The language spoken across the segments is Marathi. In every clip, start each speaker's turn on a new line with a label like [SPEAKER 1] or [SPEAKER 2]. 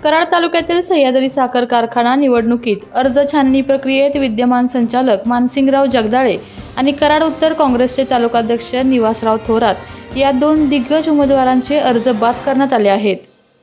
[SPEAKER 1] कराड तालुक्यातील सह्याद्री साखर कारखाना निवडणुकीत अर्ज छाननी प्रक्रियेत विद्यमान संचालक मानसिंगराव जगदाळे आणि कराड उत्तर काँग्रेसचे तालुकाध्यक्ष निवासराव थोरात या दोन दिग्गज उमेदवारांचे अर्ज बाद करण्यात आले आहेत।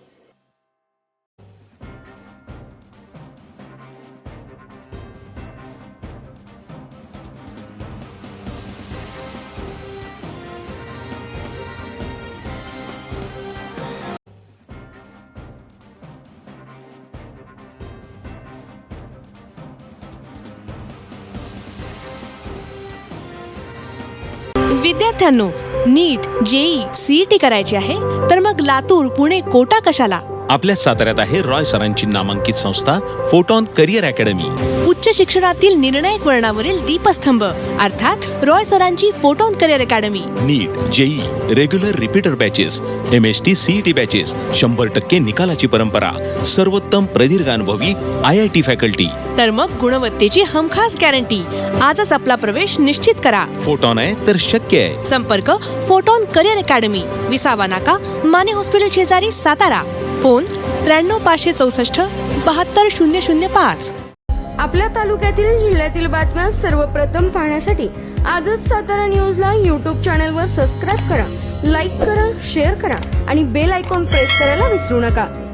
[SPEAKER 2] विद्यार्थ्यांनो, नीट, जेई, सीईटी करायची आहे तर मग लातूर, पुणे, कोटा कशाला?
[SPEAKER 3] आपल्या साताऱ्यात आहे रॉय सरांची नामांकित संस्था फोटॉन करिअर अकॅडमी।
[SPEAKER 2] उच्च शिक्षणातील निर्णायक वळणावरील दीपस्तंभ अर्थात रॉय सरांची photon career academy.
[SPEAKER 3] NEET, JEE, regular repeater batches, MST CET batches, 100% निकालाची परंपरा, सर्वोत्तम प्रदीर्घ अनुभवी IIT फॅकल्टी,
[SPEAKER 2] तर मग गुणवत्तेची हमखास गॅरंटी। आजच आपला प्रवेश निश्चित करा।
[SPEAKER 3] फोटॉन आहे तर शक्य आहे।
[SPEAKER 2] संपर्क फोटॉन करिअर अकॅडमी, विसावा नाका, माने हॉस्पिटल शेजारी, सातारा। फोन 93 564 72005।
[SPEAKER 4] आपल्या तालुक्यातील जिल्ह्यातील बातम्या सर्वप्रथम पाहण्यासाठी आजच सातारा न्यूजला YouTube चॅनलवर सबस्क्राईब करा, लाईक करा, शेअर करा आणि बेल आयकॉन प्रेस करायला विसरू नका।